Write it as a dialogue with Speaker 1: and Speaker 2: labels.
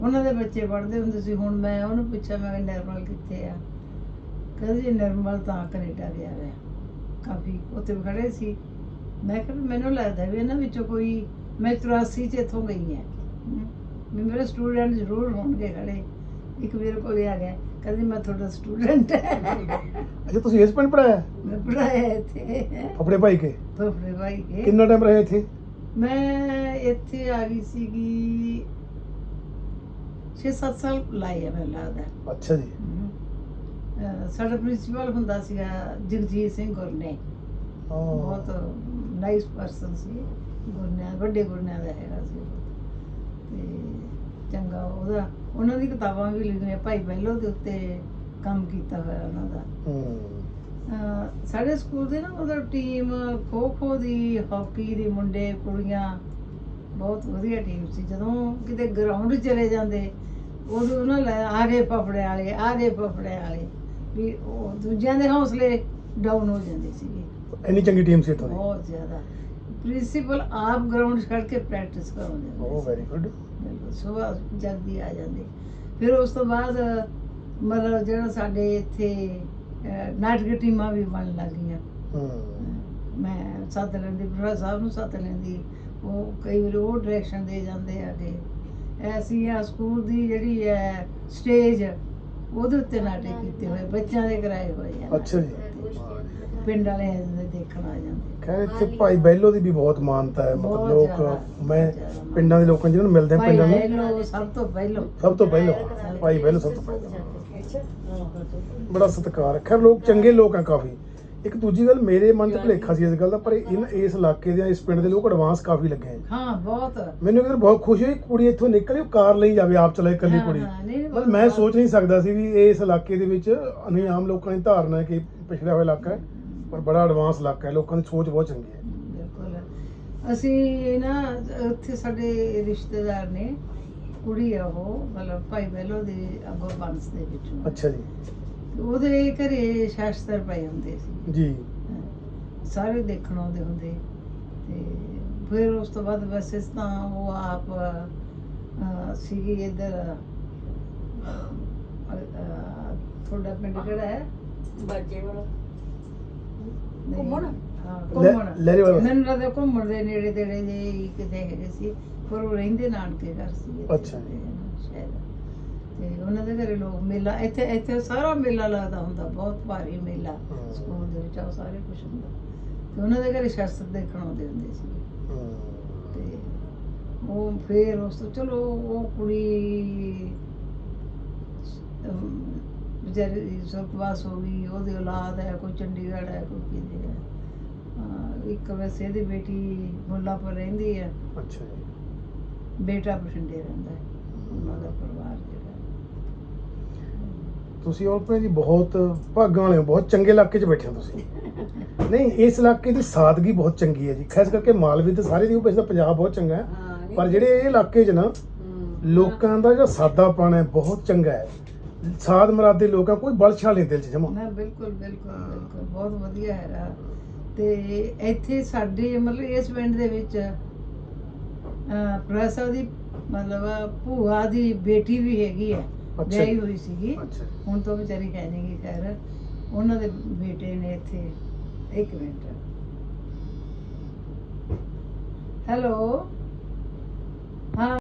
Speaker 1: ਉਹਨਾਂ ਦੇ ਬੱਚੇ ਪੜ੍ਹਦੇ ਹੁੰਦੇ ਸੀ। ਹੁਣ ਮੈਂ ਉਹਨੂੰ ਪੁੱਛਿਆ, ਮੈਂ ਕਿਹਾ ਨਿਰਮਲ ਕਿੱਥੇ ਆ? ਕਹਿੰਦੇ ਜੀ ਨਿਰਮਲ ਤਾਂ ਕੈਨੇਡਾ ਗਿਆ ਹੋਇਆ। ਕਾਫੀ ਉੱਥੇ ਖੜੇ ਸੀ। ਮੈਂ ਕਿਹਾ ਮੈਨੂੰ ਲੱਗਦਾ ਵੀ ਇਹਨਾਂ ਵਿੱਚੋਂ ਕੋਈ, ਮੈਂ 84 'ਚ ਇੱਥੋਂ ਗਈ ਹਾਂ, ਵੀ ਮੇਰੇ ਸਟੂਡੈਂਟ ਜ਼ਰੂਰ ਹੋਣਗੇ ਖੜੇ। ਇੱਕ ਮੇਰੇ ਕੋਲ ਆ ਗਿਆ, ਕਹਿੰਦੀ ਮੈਂ ਤੁਹਾਡਾ ਸਟੂਡੈਂਟ ਹੈ।
Speaker 2: ਅੱਛਾ, ਤੁਸੀਂ ਇਸ ਪਿੰਡ ਪੜਾਇਆ?
Speaker 1: ਮੈਂ ਪੜ੍ਹਾਇਆ ਇੱਥੇ
Speaker 2: ਫਫੜੇ ਭਾਈ ਕੇ।
Speaker 1: ਫਫੜੇ ਭਾਈ ਕੇ।
Speaker 2: ਕਿੰਨਾ ਟਾਈਮ ਰਹੇ ਇੱਥੇ?
Speaker 1: ਮੈਂ ਇੱਥੇ ਆ ਗਈ ਸੀਗੀ 6-7 ਸਾਲ ਲਾਏ ਆ ਮੈਨੂੰ ਲੱਗਦਾ।
Speaker 2: ਅੱਛਾ ਜੀ।
Speaker 1: ਸਾਡਾ ਪ੍ਰਿੰਸੀਪਲ ਹੁੰਦਾ ਸੀਗਾ ਜਗਜੀਤ ਸਿੰਘ ਗੁਰਨੇ, ਬਹੁਤ ਨਾਈਸ ਪਰਸਨ ਸੀ। ਗੁਰਨਿਆਂ, ਵੱਡੇ ਗੁਰਨਿਆਂ ਦਾ ਹੈਗਾ ਸੀ ਤੇ ਚੰਗਾ। ਉਹਨਾਂ ਦੀ ਕਿਤਾਬਾਂ ਵੀ ਲਿਖੀਆਂ, ਭਾਈ ਪਹਿਲੋ ਦੇ ਉੱਤੇ ਕੰਮ ਕੀਤਾ ਹੋਇਆ ਉਹਨਾਂ ਦਾ। ਸਾਡੇ ਸਕੂਲ ਦੇ ਨਾ ਮਤਲਬ ਟੀਮ ਖੋ ਖੋ ਦੀ, ਹਾਕੀ ਦੀ, ਮੁੰਡੇ ਕੁੜੀਆਂ, ਬਹੁਤ ਵਧੀਆ ਟੀਮ ਸੀ। ਜਦੋਂ ਕਿਤੇ ਗਰਾਊਂਡ ਚਲੇ ਜਾਂਦੇ ਉਦੋਂ ਉਹਨਾਂ ਲੈ ਆ ਗਏ ਫਫੜੇ ਵਾਲੇ, ਆ ਗਏ ਫਫੜੇ ਵਾਲੇ, ਵੀ ਉਹ ਦੂਜਿਆਂ ਦੇ ਹੌਸਲੇ ਡਾਊਨ ਹੋ ਜਾਂਦੇ ਸੀਗੇ।
Speaker 2: ਇੰਨੀ ਚੰਗੀ ਟੀਮ ਸੀ ਇੱਥੋਂ ਦੀ?
Speaker 1: ਬਹੁਤ ਜ਼ਿਆਦਾ। ਪ੍ਰਿੰਸੀਪਲ ਆਪ ਗਰਾਊਂਡ ਛੱਡ ਕੇ ਪ੍ਰੈਕਟਿਸ ਕਰਾਉਂਦੇ।
Speaker 2: Oh very good.
Speaker 1: ਸੁਬਾਹ ਜਲਦੀ ਆ ਜਾਂਦੇ। ਫਿਰ ਉਸ ਤੋਂ ਬਾਅਦ ਮਤਲਬ ਜਿਹੜਾ ਸਾਡੇ ਇੱਥੇ ਨਾਟਕ ਟੀਮਾਂ ਵੀ ਬਣਨ ਲੱਗ ਗਈਆਂ। ਮੈਂ ਸੱਦ ਲੈਂਦੀ, ਪ੍ਰੋਫੈਸਰ ਸਾਹਿਬ ਨੂੰ ਸੱਦ ਲੈਂਦੀ, ਉਹ ਕਈ ਵਾਰ ਉਹ ਡਾਇਰੈਕਸ਼ਨ ਦੇ ਜਾਂਦੇ ਆ ਕਿ ਐਸੀ ਆ ਸਕੂਲ ਦੀ ਜਿਹੜੀ ਹੈ ਸਟੇਜ, ਉਹਦੇ ਉੱਤੇ ਨਾਟਕ ਕੀਤੇ ਹੋਏ, ਬੱਚਿਆਂ ਦੇ ਕਰਾਏ ਹੋਏ ਆ।
Speaker 2: ਅੱਛਾ ਜੀ।
Speaker 1: ਪਿੰਡ ਵਾਲੇ ਦੇਖਣ ਆ ਜਾਂਦੇ।
Speaker 2: ਖੈਰ ਇੱਥੇ ਭਾਈ ਬਹਿਲੋ ਦੀ ਵੀ ਬਹੁਤ ਮਾਨਤਾ ਹੈ। ਮਤਲਬ ਲੋਕ, ਮੈਂ ਪਿੰਡਾਂ ਦੇ ਲੋਕਾਂ ਜਿਹਨਾਂ ਨੂੰ ਮਿਲਦੇ ਆ, ਪਿੰਡਾਂ ਨੂੰ
Speaker 1: ਸਭ ਤੋਂ ਪਹਿਲਾਂ
Speaker 2: ਭਾਈ ਬਹਿਲੋ ਸਭ ਤੋਂ ਪਹਿਲਾਂ ਬੜਾ ਸਤਿਕਾਰ ਹੈ। ਖੈਰ ਲੋਕ ਚੰਗੇ ਲੋਕ ਆ ਕਾਫੀ। ਇੱਕ ਦੂਜੀ ਗੱਲ, ਮੇਰੇ ਮਨ 'ਚ ਭੁਲੇਖਾ ਸੀ ਇਸ ਗੱਲ ਦਾ, ਪਰ ਇਸ ਇਲਾਕੇ ਦੇ, ਇਸ ਪਿੰਡ ਦੇ ਲੋਕ ਐਡਵਾਂਸ ਕਾਫੀ ਲੱਗੇ ਹੈ।
Speaker 1: ਹਾਂ, ਬਹੁਤ।
Speaker 2: ਮੈਨੂੰ ਕਿਤੇ ਬਹੁਤ ਖੁਸ਼ੀ ਹੋਈ, ਕੁੜੀ ਇੱਥੋਂ ਨਿਕਲੀ, ਉਹ ਕਾਰ ਲਈ ਜਾਵੇ, ਆਪ ਚਲਾਏ, ਇਕੱਲੀ ਕੁੜੀ। ਮਤਲਬ ਮੈਂ ਸੋਚ ਨਹੀਂ ਸਕਦਾ ਸੀ ਵੀ ਇਸ ਇਲਾਕੇ ਦੇ ਵਿੱਚ, ਨਹੀਂ ਆਮ ਲੋਕਾਂ ਦੀ ਧਾਰਨਾ ਹੈ ਕਿ ਪਿਛੜਿਆ ਹੋਇਆ ਇਲਾਕਾ ਹੈ, ਪਰ ਬੜਾ ਐਡਵਾਂਸ ਇਲਾਕਾ ਹੈ। ਲੋਕਾਂ ਦੀ ਸੋਚ ਬਹੁਤ ਚੰਗੀ ਹੈ।
Speaker 1: ਬਿਲਕੁਲ। ਅਸੀਂ ਨਾ ਉੱਥੇ ਸਾਡੇ ਰਿਸ਼ਤੇਦਾਰ ਨੇ, ਕੁੜੀ ਆ ਉਹ, ਮਤਲਬ ਭਾਈ ਬਹਿਲੋ ਦੇ ਅੱਗੋਂ ਬੰਸ ਦੇ ਵਿੱਚੋਂ।
Speaker 2: ਅੱਛਾ ਜੀ।
Speaker 1: ਉਹਦੇ ਘਰੇ ਸ਼ਾਸਤਰ ਪਏ ਹੁੰਦੇ ਸੀ
Speaker 2: ਜੀ।
Speaker 1: ਸਾਰੇ ਦੇਖਣ ਆਉਂਦੇ ਹੁੰਦੇ। ਤੇ ਫਿਰ ਉਸ ਤੋਂ ਬਾਅਦ ਵੈਸੇ ਤਾਂ ਉਹ ਆਪ ਸੀਗੀ ਇੱਧਰ, ਤੁਹਾਡਾ ਪਿੰਡ ਕਿਹੜਾ ਹੈ?
Speaker 3: ਬਾਜੇ ਵਾਲਾ
Speaker 1: ਘੁੰਮਣ।
Speaker 2: ਲਹਿਰੇ ਵਾਲਾ।
Speaker 1: ਮੈਨੂੰ ਲੱਗਦਾ ਘੁੰਮਣ ਦੇ ਨੇੜੇ ਤੇੜੇ ਜੇ ਕਿਤੇ ਹੈਗੇ ਸੀ, ਪਰ ਉਹ ਰਹਿੰਦੇ ਨਾਨਕੇ ਘਰ ਸੀ।
Speaker 2: ਅੱਛਾ ਜੀ।
Speaker 1: ਸ਼ਾਇਦ। ਤੇ ਉਹਨਾਂ ਦੇ ਘਰੇ ਲੋਕ ਮੇਲਾ, ਇੱਥੇ ਸਾਰਾ ਮੇਲਾ ਲੱਗਦਾ ਹੁੰਦਾ, ਬਹੁਤ ਭਾਰੀ ਮੇਲਾ ਸਕੂਲ ਦੇ ਵਿੱਚ, ਉਹ ਸਾਰੇ ਕੁਛ ਹੁੰਦਾ। ਤੇ ਉਹਨਾਂ ਦੇ ਘਰੇ ਸ਼ਾਸਤਰ ਦੇਖਣ ਆਉਂਦੇ ਹੁੰਦੇ ਸੀ। ਤੇ ਉਹ ਫਿਰ ਉਸ ਤੋਂ ਚਲੋ ਉਹ ਕੁੜੀ ਵਿਚਾਰੀ ਸੁਰਗਵਾਸ ਹੋ ਗਈ। ਉਹਦੀ ਔਲਾਦ ਹੈ, ਕੋਈ ਚੰਡੀਗੜ੍ਹ ਹੈ, ਕੋਈ ਕਿਤੇ ਹੈ। ਇੱਕ ਵੈਸੇ ਇਹਦੀ ਬੇਟੀ ਮੁੱਲਾਂਪੁਰ ਰਹਿੰਦੀ ਹੈ।
Speaker 2: ਅੱਛਾ ਜੀ।
Speaker 1: ਬੇਟਾ ਬਠਿੰਡੇ ਰਹਿੰਦਾ ਹੈ। ਉਹਨਾਂ ਦਾ ਪਰਿਵਾਰ ਜਿਹੜਾ।
Speaker 2: ਤੁਸੀਂ ਔਰਤਾਂ ਜੀ ਬਹੁਤ ਭਾਗਾਂ ਵਾਲੇ ਹੋ, ਬਹੁਤ ਚੰਗੇ ਇਲਾਕੇ 'ਚ ਬੈਠੇ ਹੋ ਤੁਸੀਂ। ਨਹੀਂ, ਇਸ ਇਲਾਕੇ ਦੀ ਸਾਦਗੀ ਬਹੁਤ ਚੰਗੀ ਹੈ ਜੀ। ਖਾਸ ਕਰਕੇ ਮਾਲਵੇ ਤੇ ਸਾਰੇ ਦੀ, ਵੈਸੇ ਪੰਜਾਬ ਬਹੁਤ ਚੰਗਾ ਹੈ, ਪਰ ਜਿਹੜੇ ਇਹ ਇਲਾਕੇ 'ਚ ਨਾ ਲੋਕਾਂ ਦਾ ਜਿਹੜਾ ਸਾਦਾਪਣ ਹੈ ਬਹੁਤ ਚੰਗਾ ਹੈ। ਸਾਦ ਮਰਾਦੇ ਲੋਕਾਂ, ਕੋਈ ਬਲਛਾ ਨਹੀਂ ਦਿਲ 'ਚ ਜਮਾ।
Speaker 1: ਬਿਲਕੁਲ ਬਿਲਕੁਲ ਬਿਲਕੁਲ, ਬਹੁਤ ਵਧੀਆ ਹੈਗਾ। ਤੇ ਇੱਥੇ ਸਾਡੇ ਮਤਲਬ ਇਸ ਪਿੰਡ ਦੇ ਵਿੱਚ ਪ੍ਰੋਫੈਸਰ ਦੀ ਮਤਲਬ ਭੂਆ ਦੀ ਬੇਟੀ ਵੀ ਹੈਗੀ ਹੈ, ਵਿਆਹੀ ਹੋਈ ਸੀਗੀ। ਹੁਣ ਤਾਂ ਵਿਚਾਰੀ ਹੈ ਨਹੀਂ ਗੀ। ਖੈਰ ਉਹਨਾਂ ਦੇ ਬੇਟੇ ਨੇ ਇੱਥੇ। ਇੱਕ ਮਿੰਟ। ਹੈਲੋ। ਹਾਂ।